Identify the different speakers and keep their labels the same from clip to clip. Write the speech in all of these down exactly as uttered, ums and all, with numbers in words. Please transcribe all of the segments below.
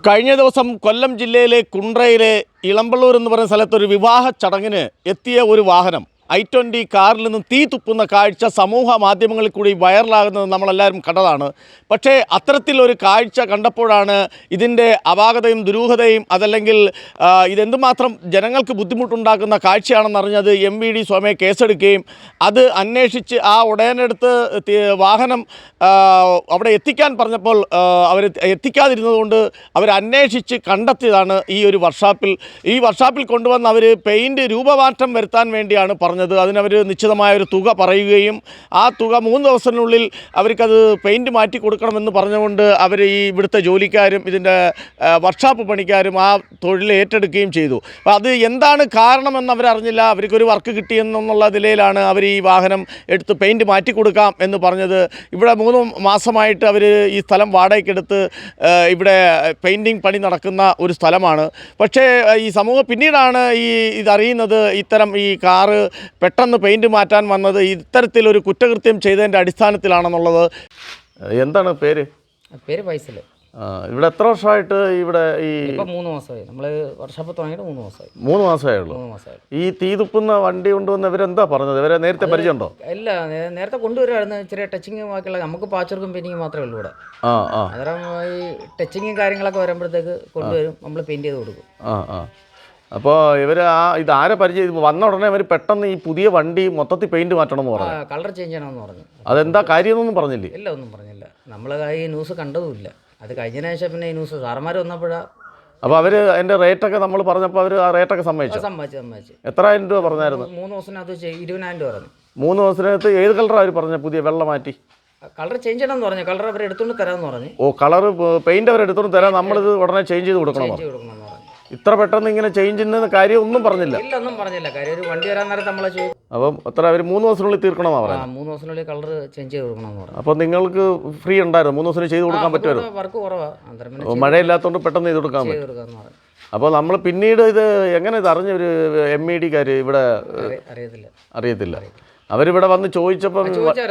Speaker 1: കഴിഞ്ഞ ദിവസം കൊല്ലം ജില്ലയിലെ കുണ്ട്രയിലെ ഇളമ്പള്ളൂർ എന്ന് പറയുന്ന സ്ഥലത്തൊരു വിവാഹ ചടങ്ങിന് എത്തിയ ഒരു വാഹനം ഐ ട്വൻ്റി കാറിൽ നിന്നും തീ തുപ്പുന്ന കാഴ്ച സമൂഹ മാധ്യമങ്ങളിൽ കൂടി വൈറലാകുന്നത് നമ്മളെല്ലാവരും കണ്ടതാണ്. പക്ഷേ അത്തരത്തിലൊരു കാഴ്ച കണ്ടപ്പോഴാണ് ഇതിൻ്റെ അപാകതയും ദുരൂഹതയും അതല്ലെങ്കിൽ ഇതെന്തുമാത്രം ജനങ്ങൾക്ക് ബുദ്ധിമുട്ടുണ്ടാക്കുന്ന കാഴ്ചയാണെന്നറിഞ്ഞത് എം വി ഡി സ്വയമേ കേസെടുക്കുകയും അത് അന്വേഷിച്ച് ആ ഉടനെടുത്ത് വാഹനം അവിടെ എത്തിക്കാൻ പറഞ്ഞപ്പോൾ അവർ എത്തിക്കാതിരുന്നതുകൊണ്ട് അവർ അന്വേഷിച്ച് കണ്ടെത്തിയതാണ് ഈ ഒരു വർക്ക്ഷോപ്പിൽ ഈ വർക്ക്ഷോപ്പിൽ കൊണ്ടുവന്ന് അവർ പെയിൻറ്റ് രൂപമാറ്റം വരുത്താൻ വേണ്ടിയാണ് പറഞ്ഞത്. അതിനവർ നിശ്ചിതമായൊരു തുക പറയുകയും ആ തുക മൂന്ന് ദിവസത്തിനുള്ളിൽ അവർക്കത് പെയിൻറ്റ് മാറ്റി കൊടുക്കണമെന്ന് പറഞ്ഞുകൊണ്ട് അവർ ഈ ഇവിടുത്തെ ജോലിക്കാരും ഇതിൻ്റെ വർക്ക്ഷോപ്പ് പണിക്കാരും ആ തൊഴിൽ ഏറ്റെടുക്കുകയും ചെയ്തു. അപ്പോൾ അത് എന്താണ് കാരണമെന്ന് അവരറിഞ്ഞില്ല. അവർക്കൊരു വർക്ക് കിട്ടിയെന്നുള്ള നിലയിലാണ് അവർ ഈ വാഹനം എടുത്ത് പെയിൻറ്റ് മാറ്റി കൊടുക്കാം എന്ന് പറഞ്ഞത്. ഇവിടെ മൂന്ന് മാസമായിട്ട് അവർ ഈ സ്ഥലം വാടകയ്ക്കെടുത്ത് ഇവിടെ പെയിൻറ്റിങ് പണി നടക്കുന്ന ഒരു സ്ഥലമാണ്. പക്ഷേ ഈ സമൂഹം പിന്നീടാണ് ഈ ഇതറിയുന്നത് ഇത്തരം ഈ കാറ് പെട്ടെന്ന് പെയിൻറ്റ് മാറ്റാൻ വന്നത് ഇത്തരത്തിലൊരു കുറ്റകൃത്യം ചെയ്തതിൻ്റെ അടിസ്ഥാനത്തിലാണെന്നുള്ളത്. എന്താണ് പേര്?
Speaker 2: പേര് ഫൈസൽ.
Speaker 1: ഇവിടെ എത്ര വർഷമായിട്ട് ഇവിടെ ഈ
Speaker 2: മൂന്ന് മാസമായി നമ്മൾ വർക്ക്ഷോപ്പ് തുടങ്ങിയിട്ട് മൂന്ന് മാസമായി
Speaker 1: മൂന്ന് മാസമേ ഉള്ളൂ.
Speaker 2: മൂന്ന് മാസമായി ഈ
Speaker 1: തീ തുപ്പുന്ന വണ്ടി കൊണ്ടുവന്ന് ഇവരെന്താ പറഞ്ഞത്? ഇവരെ നേരത്തെ പരിചയമുണ്ടോ?
Speaker 2: ഇല്ല, നേരത്തെ കൊണ്ടുവരുമായിരുന്നു. ചെറിയ ടച്ചിങ് ബാക്കിയുള്ള നമുക്ക് പാച്ചർക്കും പെയിൻറ്റിങ് മാത്രമേ ഉള്ളൂ ഇവിടെ.
Speaker 1: ആ ആ
Speaker 2: അന്നേരം ഈ ടച്ചിങ്ങും കാര്യങ്ങളൊക്കെ വരുമ്പോഴത്തേക്ക് കൊണ്ടുവരും, നമ്മൾ പെയിൻറ്റ് ചെയ്ത് കൊടുക്കും.
Speaker 1: ആ ആ അപ്പോൾ ഇവർ ആ ഇത് ആരെ പരിചയം വന്ന ഉടനെ അവർ പെട്ടെന്ന് ഈ പുതിയ വണ്ടി മൊത്തത്തിൽ പെയിൻറ്റ് മാറ്റണമെന്ന് പറഞ്ഞു,
Speaker 2: കളർ ചേഞ്ച് ചെയ്യണമെന്ന് പറഞ്ഞു.
Speaker 1: അതെന്താ കാര്യമൊന്നും പറഞ്ഞില്ലേ?
Speaker 2: ഇല്ല, ഒന്നും പറഞ്ഞില്ല. നമ്മൾ ഈ ന്യൂസ് കണ്ടതുമില്ല. അത് കഴിഞ്ഞതിന് ശേഷം പിന്നെ ഈ ന്യൂസ് സാറന്മാർ വന്നപ്പോഴാണ്.
Speaker 1: അപ്പോൾ അവർ അതിൻ്റെ റേറ്റൊക്കെ നമ്മൾ പറഞ്ഞപ്പോൾ അവർ ആ റേറ്റൊക്കെ സമ്മതിച്ചു
Speaker 2: സമ്മതിച്ചു സമ്മതിച്ചു
Speaker 1: എത്രായിരം രൂപ പറഞ്ഞായിരുന്നു?
Speaker 2: മൂന്ന് ദിവസത്തിനകത്ത് ഇരുപതിനായിരം രൂപ പറഞ്ഞു.
Speaker 1: മൂന്ന് ദിവസത്തിനകത്ത് ഏത് കളറാണ് അവർ പറഞ്ഞത്? പുതിയ വെള്ളം മാറ്റി
Speaker 2: കളർ ചേഞ്ച് ചെയ്യണമെന്ന് പറഞ്ഞു. കളർ അവർ എടുത്തുകൊണ്ട് തരാമെന്ന് പറഞ്ഞു.
Speaker 1: ഓ, കളർ പെയിൻറ്റ് അവർ എടുത്തുകൊണ്ട് തരാം, നമ്മളിത് ഉടനെ ചേഞ്ച് ചെയ്ത് കൊടുക്കണം.
Speaker 2: കൊടുക്കണമെന്ന് പറഞ്ഞു.
Speaker 1: ഇത്ര പെട്ടെന്ന് ഇങ്ങനെ ചേഞ്ച് ചെയ്യുന്ന കാര്യം ഒന്നും പറഞ്ഞില്ല?
Speaker 2: ഇല്ല, ഒന്നും പറഞ്ഞില്ല. കാര്യം ഒരു വണ്ടി വരാൻ നേരത്തെ നമ്മളെ ചോദിച്ചു.
Speaker 1: അപ്പം എത്ര അവർ മൂന്ന് ദിവസത്തിനുള്ളിൽ തീർക്കണമെന്നാണ് പറയുന്നത്?
Speaker 2: മൂന്ന് ദിവസത്തിനുള്ളിൽ കളർ ചേഞ്ച് ചെയ്ത് കൊടുക്കണമെന്ന് പറഞ്ഞു.
Speaker 1: അപ്പോൾ നിങ്ങൾക്ക് ഫ്രീ ഉണ്ടായിരുന്നു? മൂന്ന് ദിവസത്തിന് ചെയ്ത് കൊടുക്കാൻ പറ്റുമല്ലോ?
Speaker 2: വർക്ക് കുറവാണ്,
Speaker 1: മഴയില്ലാത്തതുകൊണ്ട് പെട്ടെന്ന് ചെയ്ത് കൊടുക്കാൻ പറ്റും. അപ്പോൾ നമ്മൾ പിന്നീട് ഇത് എങ്ങനെ ഇത് അറിഞ്ഞ ഒരു എം ഇ ഡിക്കാർ ഇവിടെ
Speaker 2: അറിയത്തില്ല
Speaker 1: അറിയത്തില്ല അവരിവിടെ വന്ന് ചോദിച്ചപ്പം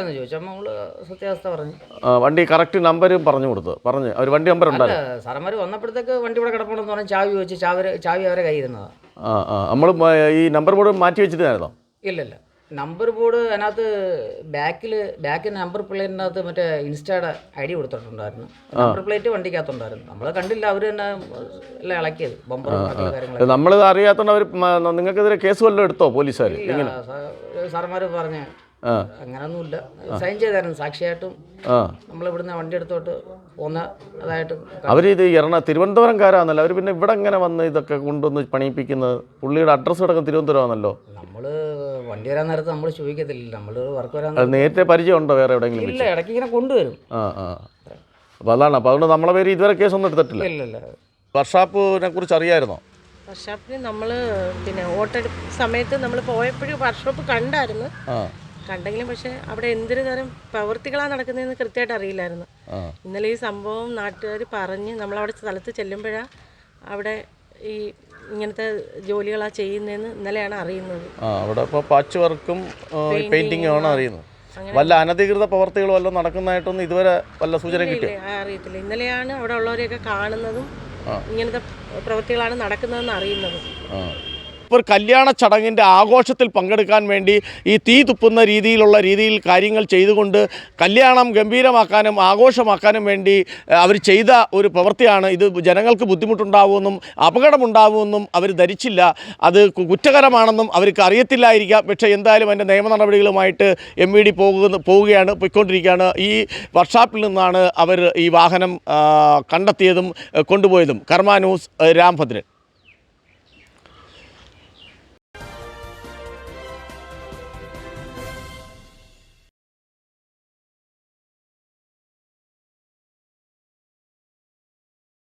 Speaker 2: സത്യാവസ്ഥ പറഞ്ഞു.
Speaker 1: വണ്ടി കറക്റ്റ് നമ്പരും പറഞ്ഞു കൊടുത്തു പറഞ്ഞു അവർ വണ്ടി നമ്പർ ഉണ്ടായിരുന്നു.
Speaker 2: സാറന്മാർ വന്നപ്പോഴത്തേക്ക് വണ്ടി ഇവിടെ കിടപ്പുണ്ടെന്ന് പറഞ്ഞാൽ ചാവി വെച്ച് ചാവി ചാവി അവരെ കയ്യിരുന്നതാണ്.
Speaker 1: ആ ആ നമ്മൾ ഈ നമ്പർ ബോർഡ് മാറ്റി വെച്ചിട്ടായിരുന്നോ?
Speaker 2: ഇല്ലല്ല, നമ്പർ ബോർഡ് അതിനകത്ത് ബാക്കിൽ ബാക്കിൽ നമ്പർ പ്ലേറ്റിനകത്ത് മറ്റേ ഇൻസ്റ്റയുടെ ഐ ഡി കൊടുത്തിട്ടുണ്ടായിരുന്നു. നമ്പർ പ്ലേറ്റ് വണ്ടിക്കകത്തുണ്ടായിരുന്നു. നമ്മൾ കണ്ടില്ല, അവർ തന്നെ എല്ലാം ഇളക്കിയത് ബമ്പർ കാര്യങ്ങൾ.
Speaker 1: നമ്മൾ അറിയാത്തതുകൊണ്ട് അവർ നിങ്ങൾക്കെതിരെ കേസ് വല്ലതും എടുത്തോ പോലീസുകാർ?
Speaker 2: സാറന്മാർ പറഞ്ഞ അങ്ങനൊന്നുമില്ല, സൈൻ ചെയ്തായിരുന്നു സാക്ഷിയായിട്ടും. നമ്മൾ ഇവിടുന്ന് വണ്ടി എടുത്തോട്ട് പോന്ന അതായിട്ട്
Speaker 1: അവരിത് എറണ തിരുവനന്തപുരംകാരാണല്ലോ. അവർ പിന്നെ ഇവിടെ എങ്ങനെ വന്ന് ഇതൊക്കെ കൊണ്ടുവന്ന് പണിയിപ്പിക്കുന്നത്? പുള്ളിയുടെ അഡ്രസ്സ് കിടക്കുന്ന തിരുവനന്തപുരമാണല്ലോ.
Speaker 2: നമ്മൾ വണ്ടി വരാൻ നേരത്ത് നമ്മൾ ചോദിക്കത്തില്ല, നമ്മൾ വർക്ക് വരാൻ
Speaker 1: നേരത്തെ പരിചയം ഉണ്ടോ വേറെ എവിടെയെങ്കിലും?
Speaker 2: ഇല്ല, ഇടയ്ക്ക് ഇങ്ങനെ കൊണ്ടുവരും.
Speaker 1: ആ ആ അപ്പോൾ അതാണ്. അപ്പോൾ അതുകൊണ്ട് നമ്മളെ പേര് ഇതുവരെ കേസൊന്നും എടുത്തിട്ടില്ല.
Speaker 2: ഇല്ലല്ല.
Speaker 1: വർക്ക്ഷോപ്പിനെ കുറിച്ച് അറിയായിരുന്നോ?
Speaker 3: വർക്ക്ഷോപ്പിന് നമ്മൾ പിന്നെ വോട്ടെടുപ്പ് സമയത്ത് നമ്മൾ പോയപ്പോഴും വർക്ക്ഷോപ്പ് കണ്ടായിരുന്നു. കണ്ടെങ്കിലും പക്ഷേ അവിടെ എന്തൊരു തരം പ്രവൃത്തികളാണ് നടക്കുന്നതെന്ന് കൃത്യമായിട്ട് അറിയില്ലായിരുന്നു. ഇന്നലെ ഈ സംഭവം നാട്ടുകാർ പറഞ്ഞ് നമ്മളവിടെ സ്ഥലത്ത് ചെല്ലുമ്പോഴാണ് അവിടെ ഈ ഇങ്ങനത്തെ ജോലികളാണ് ചെയ്യുന്നതെന്ന് ഇന്നലെയാണ് അറിയുന്നത്.
Speaker 1: അവിടെ ഇപ്പോൾ പാച്ച് വർക്കും പെയിന്റിങ്ങും ആണ് അറിയുന്നത്. വല്ല അനധികൃത പ്രവർത്തികൾ വല്ലതും നടക്കുന്നതായിട്ടൊന്നും ഇതുവരെ വല്ല സൂചന കിട്ടിയോ?
Speaker 3: അറിയത്തില്ല. ഇന്നലെയാണ് അവിടെ ഉള്ളവരെയൊക്കെ കാണുന്നതും ഇങ്ങനത്തെ പ്രവൃത്തികളാണ് നടക്കുന്നതെന്ന് അറിയുന്നത്.
Speaker 1: ഇപ്പോൾ ഒരു കല്യാണ ചടങ്ങിൻ്റെ ആഘോഷത്തിൽ പങ്കെടുക്കാൻ വേണ്ടി ഈ തീ തുപ്പുന്ന രീതിയിലുള്ള രീതിയിൽ കാര്യങ്ങൾ ചെയ്തുകൊണ്ട് കല്യാണം ഗംഭീരമാക്കാനും ആഘോഷമാക്കാനും വേണ്ടി അവർ ചെയ്ത ഒരു പ്രവൃത്തിയാണ്. ഇത് ജനങ്ങൾക്ക് ബുദ്ധിമുട്ടുണ്ടാവുമെന്നും അപകടമുണ്ടാവുമെന്നും അവർ ധരിച്ചില്ല. അത് കുറ്റകരമാണെന്നും അവർക്ക് അറിയത്തില്ലായിരിക്കാം. പക്ഷേ എന്തായാലും അതിൻ്റെ നിയമ നടപടികളുമായിട്ട് എം വി ഡി പോകുന്ന പോവുകയാണ് പോയിക്കൊണ്ടിരിക്കുകയാണ്. ഈ വർക്ക്ഷോപ്പിൽ നിന്നാണ് അവർ ഈ വാഹനം കണ്ടെത്തിയതും കൊണ്ടുപോയതും. കർമ്മ ന്യൂസ്, രാംഭദ്രൻ.